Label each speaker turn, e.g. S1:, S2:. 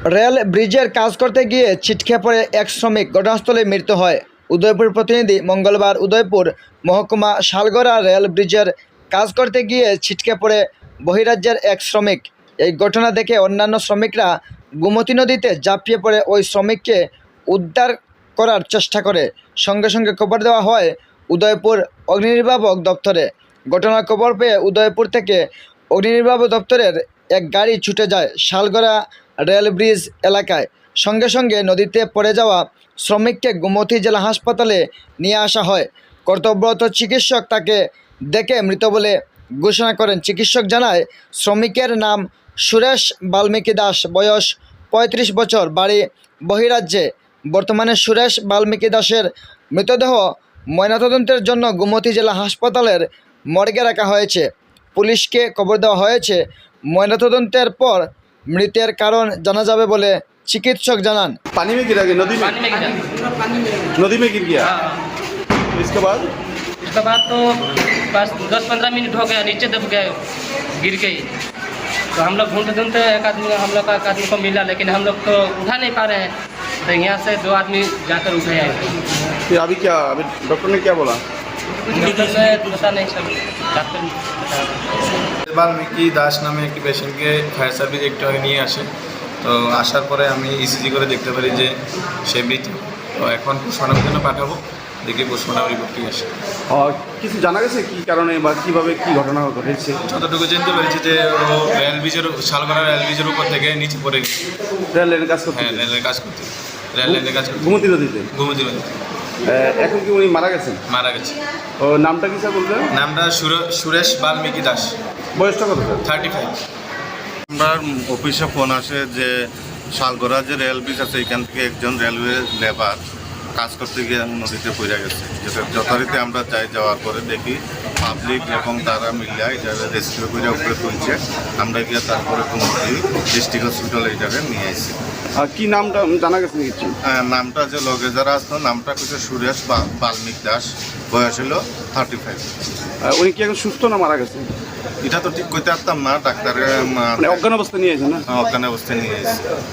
S1: Rail ব্রিজের কাজ করতে গিয়ে ছিটকে পড়ে এক শ্রমিক, ঘটনাস্থলে মৃত্যু হয়। উদয়পুর প্রতিনিধি। মঙ্গলবার উদয়পুর মহকুমা শালগড়া রেল ব্রিজের কাজ করতে গিয়ে ছিটকে পড়ে বহিরাজ্যের এক শ্রমিক। এই ঘটনা দেখে অন্যান্য শ্রমিকরা গোমতী নদীতে ঝাঁপিয়ে পড়ে ওই শ্রমিককে উদ্ধার করার চেষ্টা করে। সঙ্গে সঙ্গে খবর দেওয়া হয় উদয়পুর অগ্নিনির্বাপক দপ্তরে। ঘটনার খবর পেয়ে উদয়পুর থেকে অগ্নিনির্বাপক দপ্তরের এক গাড়ি ছুটে যায় শালগড়া রেল ব্রিজ এলাকায়। সঙ্গে সঙ্গে নদীতে পড়ে যাওয়া শ্রমিককে গোমতী জেলা হাসপাতালে নিয়ে আসা হয়। কর্তব্যরত চিকিৎসক তাকে দেখে মৃত বলে ঘোষণা করেন। চিকিৎসক জানায়, শ্রমিকের নাম সুরেশ বাল্মীকি দাস, বয়স ৩৫ বছর, বাড়ি বহিরাজ্যে। বর্তমানে সুরেশ বাল্মীকি দাসের মৃতদেহ ময়নাতদন্তের জন্য গোমতী জেলা হাসপাতালের মর্গে রাখা হয়েছে। পুলিশকে খবর দেওয়া হয়েছে। ময়নাতদন্তের পর মৃতের কারণ জানা যাবে বলে চিকিৎসক জানান।
S2: पानी में गिरा गया, नदी में
S3: गिरा।
S2: नदी में गिर गया।
S3: हाँ।
S2: इसके बाद
S3: तो बस 10-15 मिनट हो गया, नीचे दब गया, गिर गई। तो हम लोग ढूंढते ढूंढते हम लोग का एक आदमी को मिला, लेकिन हम लोग तो उठा नहीं पा रहे हैं। तो यहाँ से 2 आदमी जाकर उठे आए।
S2: फिर अभी डॉक्टर ने क्या बोला?
S3: डॉक्टर ने पता नहीं, सब डॉक्टर
S4: বাল্মীকি দাস নামে একটি পেশেন্টকে ফায়ার সার্ভিস একটু আগে নিয়ে আসে। তো আসার পরে আমি ইসিজি করে দেখতে পারি যে সে মৃত। তো এখন পোস্টমর্টমের জন্য পাঠাবো, দেখি পোস্টমর্টম রিপোর্ট কি আসে।
S2: কিছু জানা গেছে কি কারণে বা কিভাবে কি ঘটনা ঘটেছে?
S4: যতটুকু জানতে পেরেছি যে ও রেল ব্রিজের শালগড়া রেল ব্রিজের উপর থেকে নিচে পড়ে গেছে।
S2: রেল লাইনের কাজ করতে?
S4: হ্যাঁ, রেলের কাজ করতে, রেল লাইনের কাজ করতে।
S2: গোমতী নদীতে?
S4: গোমতী নদীতে
S2: এখন কি উনি মারা গেছেন?
S4: মারা গেছে।
S2: ও নামটা কি স্যার বলতে?
S4: নামটা সুরেশ বাল্মীকি দাস,
S2: বয়সটা কত স্যার?
S4: 35।
S5: আমার অফিসে ফোন আসে যে শালগড়া যে রেল ব্রিজ আছে এখান থেকে একজন রেলওয়ে লেবার কাজ করতে গিয়ে নদীতে পড়ে গেছে। যেটা যথারীতি আমরা যাওয়ার পরে দেখি পাবলিক এবং তারা মিলিয়ে এটাকে রেস্কিউ করে উপরে তুলছে। আমরা গিয়ে তারপরে গোমতী ডিস্ট্রিক্ট হসপিটাল এইটাকে নিয়ে আসি।
S2: কি নামটা জানা গেছে কিছু?
S5: নামটা যে লগে যারা আসতো নামটা হচ্ছে সুরেশ বাল্মীকি দাস, বয়স হলো 35।
S2: উনি কি এখন সুস্থ না মারা গেছে?
S5: এটা তো ঠিক করতে পারতাম না, ডাক্তারের
S2: অজ্ঞান অবস্থা নিয়ে আছে না?
S5: অজ্ঞান অবস্থায় নিয়ে এসেছি।